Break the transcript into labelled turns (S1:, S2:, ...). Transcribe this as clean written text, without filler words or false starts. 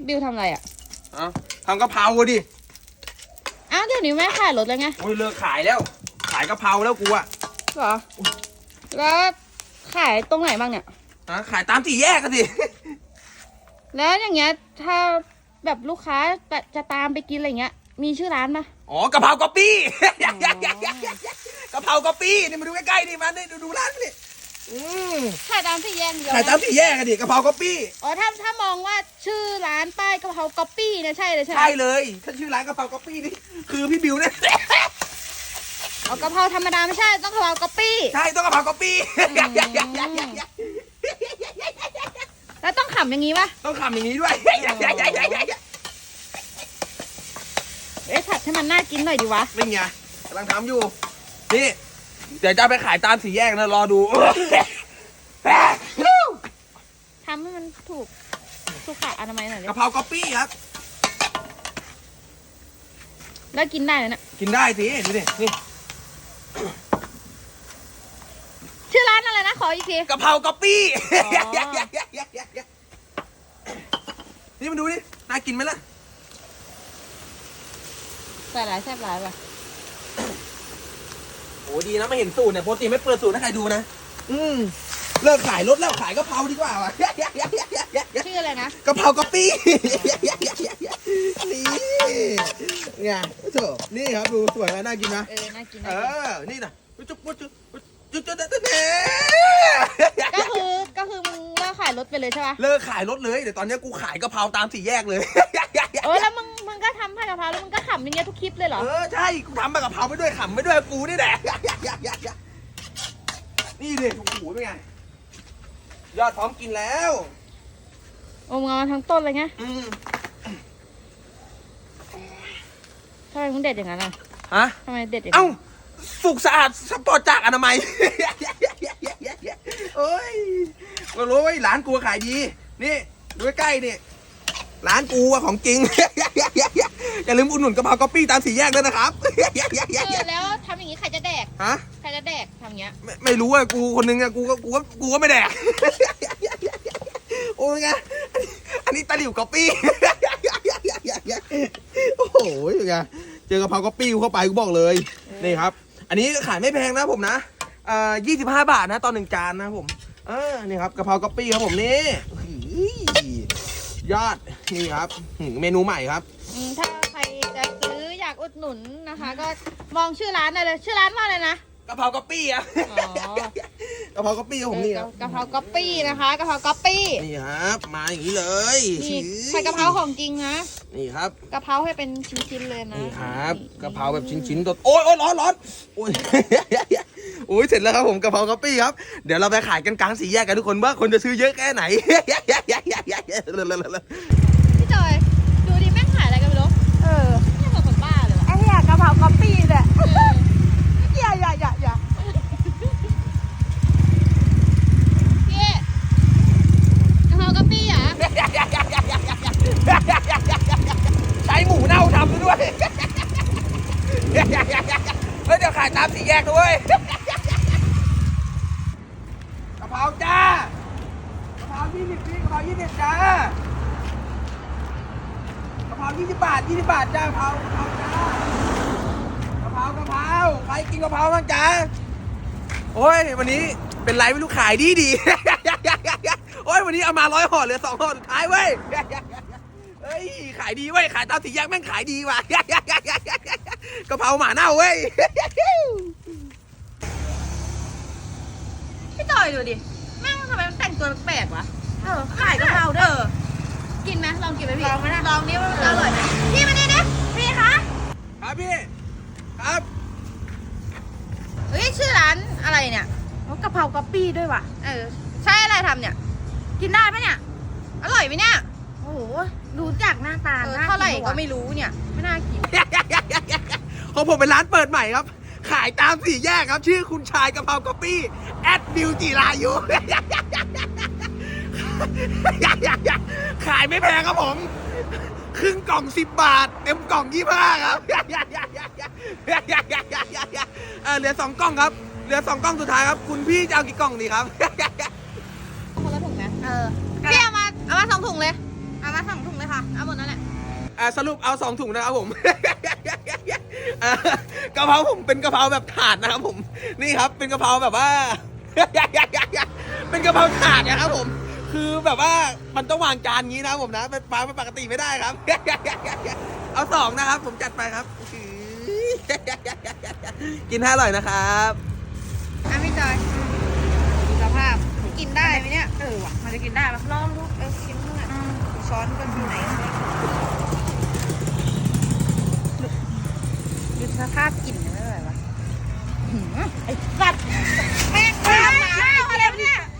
S1: บิวทำอะไรอ่ะ
S2: ทำกะเพราดิ
S1: อ้าวเดี๋ยวนี้ไม่ขายรถแล้วไง
S2: โอ้ยเลิกขายแล้วขายกะเพราแล้วกูอะ
S1: เหรอแล้วขายตรงไหนบ้างเนี่ย
S2: ขายตามสี่แยกกันสิ
S1: แล้วอย่างเงี้ยถ้าแบบลูกค้าจะตามไปกินอะไรเงี้ยมีชื่อร้านปะ
S2: อ๋อกะเพราก๊อปปี้กะเพราก๊อปปี้นี่มาดูใกล้ๆนี่มานี่ดูร้านนี่
S1: ขายตามสี่แยกเดียว
S2: ขายตามสี่แยกกันดิกะเพราก๊อปปี้
S1: อ๋อถ้ามองว่าชื่อร้านป้ายกะเพราก๊อปปี้เนี่ยใช่เลยใช่ไหม
S2: ใช่เลยถ้าชื่อร้านกะเพราก๊อปปี้นี่คือพี่บิวเนี่ย
S1: เอากะเพราธรรมดาไม่ใช่ต้องกะเพราก๊อปปี้
S2: ใช่ต้องกะเพราก๊อปปี้
S1: แล้วต้องขำอย่างนี้ปะ
S2: ต้องขำอย่างนี้ด้วย
S1: ผัดให้มันน่ากินหน่อยดีวะ
S2: นี่ไงกำลังทำอยู่นี่เดี๋ยวจะไปขายตามสี่แยกนะรอดู
S1: ทำให้มันถูกสุขอนามัยหน่อย
S2: กะเพราก๊อปปี้ครับ
S1: แล้วกินได้เลยนะ
S2: กินได้สิดูดินี่
S1: ชื่อร้านอะไรนะขออีกที
S2: กะเพราก๊อปปี้นี่มาดูดิน่ากินไหมล่ะ
S1: ใส่หลายแซ่บหลายป่ะ
S2: โอ้ดีนะไม่เห็นสูตรเนี่ยปกติไม่เปิดสูตรให้ใครดูนะเลิกขายรถแล้วขายกะเพราดีกว่า
S1: ชื่ออะไรนะ
S2: กะเพราก๊อปปี้นี่ไงโถนี่ครับดูสวยไหมน่ากินนะ
S1: น่ากิน
S2: นี่นะจุ๊บ
S1: ก็คือมึงเลิกขายรถไปเลยใช่ป่ะ
S2: เลิกขายรถเลยเดี๋ยวตอนนี้กูขายกะเพราตามสี่แยกเลย
S1: แล้วมึงก็ทำผัดกะเพราแล้วมึงก็ขำอย่างเงี้ยทุกคลิปเลยเหรอ
S2: ใช่กูทำผัดกะเพราไปด้วยขำไปด้วยกูนี่แหละนี่ดิโอ้โหเป็นไงยอดพร้อมกินแล้ว
S1: โอ้มึงเอามาทั้งต้นเลยไงทำไมมึงเด็ดอย่างนั้นอ่ะทำไมเด็ดอย่างนั้น
S2: สุกสะอาดสปอร์ตจากอนามัยโอ้ยก็รู้ว่าร้านกูขายดีนี่ดูใกล้ๆนี่ร้านกูของจริงอย่าลืมอุดหนุนกะเพราก๊อปปี้ตามสี่แยกด้วยนะครับ
S1: แล้วทำอย่างนี้ใครจะแดกใครจะแดกทำอย่างเงี้ย
S2: ไม่รู้อะกูคนนึงอะกูก็ไม่แดกโอ้ยไงอันนี้ตะหลิวก๊อปปี้โอ้โหยังไงเจอกะเพราก๊อปปี้เข้าไปกูบอกเลยนี่ครับอันนี้ขายไม่แพงนะผมนะ25 บาทนะตอน1 จานนะผมนี่ครับกะเพราก๊อปปี้ครับผมนี่ยอดนี่ครับเมนูใหม่ครับ
S1: ถ้าใครจะซื้ออยากอุดหนุนนะคะก็มองชื่อร้านได้เลยชื่อร้านว่าอะไรนะ
S2: กะเพราก๊อปปี้อะกะเพราก๊อปปี้ของผมนี่ครับ
S1: กะเพราก๊อปปี้นะคะกะเพราก๊อปปี้
S2: นี่ครับมาอย่างนี้เลย
S1: ใส่กะเพราของจริงนะ
S2: นี่ครับ
S1: กะเพราให้เป็นชิ้นๆเลยนะ
S2: นี่ครับกะเพราแบบชิ้นๆตัวโอ้ยร้อนโอ้ยโอ้ยเสร็จแล้วครับผมกะเพราก๊อปปี้ครับเดี๋ยวเราไปขายกันกลางสี่แยกกันทุกคนว่าคนจะซื้อเยอะแค่ไหน
S1: พี่จอยดูดิแม่งขายอะไรกันไม่รู้ไม่เหมือนคนบ้าเลย
S3: ไอ้เหี้ยกะเพราก๊อปปี้เนี่ยอย่า
S1: พี่กะเพราก๊อปปี้อ่ะ
S2: ใช้หมูเน่าทำด้วยเดี๋ยวขายตามสี่แยกด้วยกะเพราจ้ากะเพรา20 พี่กะเพรา20จ้ากะเพรา20 บาทจ้ากะเพราจ้ากะเพราใครกินกะเพราบ้างจ้าโอ้ยวันนี้เป็นไรไม่รู้ขายดีโอ้ยวันนี้เอามา100 ห่อเหลือ2 ห่อสุดท้ายเว้ยเฮ้ยขายดีเว้ยขายตามสี่แยกแม่งขายดีว่ะกะเพราหมาเน่าเว้ย
S1: พี่จอยดูดิแม่งทำไมแต่งตัวแปลกวะขายกะเพราเด้อกินไหมลองกินไหมพี่ลองไหมนะลองนี้ว่ามันอร่อยไหมพี่มาดิพี่คะ
S2: ครับพี่ครับ
S1: เฮ้ยชื่อร้านอะไรเนี่ย
S3: กะเพราก๊อปปี้ด้วยว่ะ
S1: ใช่อะไรทำเนี่ยกินได้ปะเนี่ยอร่อยไหมเนี่ย
S3: โอ้โหดูจากหน้าตา
S1: เท่าไหร่ก็ไม่รู้เนี่ยไม่น่ากิน
S2: ของผมเป็นร้านเปิดใหม่ครับขายตามสี่แยกครับชื่อคุณชายกะเพราก๊อปปี้บิวจิรายุขายไม่แพงครับผมครึ่งกล่อง10 บาทเต็มกล่อง25ครับเหลือ2 กล่องครับเหลือ2 กล่องสุดท้ายครับคุณพี่จะเอากี่กล่องดีครับ
S1: คนละถุงไหมพี่เอามา2 ถุงเลย
S3: เอา
S1: มา2 ถุงเลยค่ะ เอาหมดนั่นแหละ
S2: สรุปเอา2 ถุงนะครับผม กะเพราผมเป็นกะเพราแบบถาดนะครับผม นี่ครับเป็นกะเพราแบบว่า เป็นกะเพราถาดนะครับผม คือแบบว่ามันต้องวางจานงี้นะครับผมนะเป็นปลาปกติไม่ได้ครับ เอา2นะครับ ผมจัดไปครับ กินให้อร่อยนะครับ
S1: อ่ะพี่จอยดูสภาพกินได้ไหมเนี่ยว่ะมันจะกินได้ปะลองดูกินเมื่อช้อนก็อยู่ไหนดูสภาพกลิ่นไม่ไหววะไอ้สัตว์แม่งข้าวหมาอะไรวะเนี่ย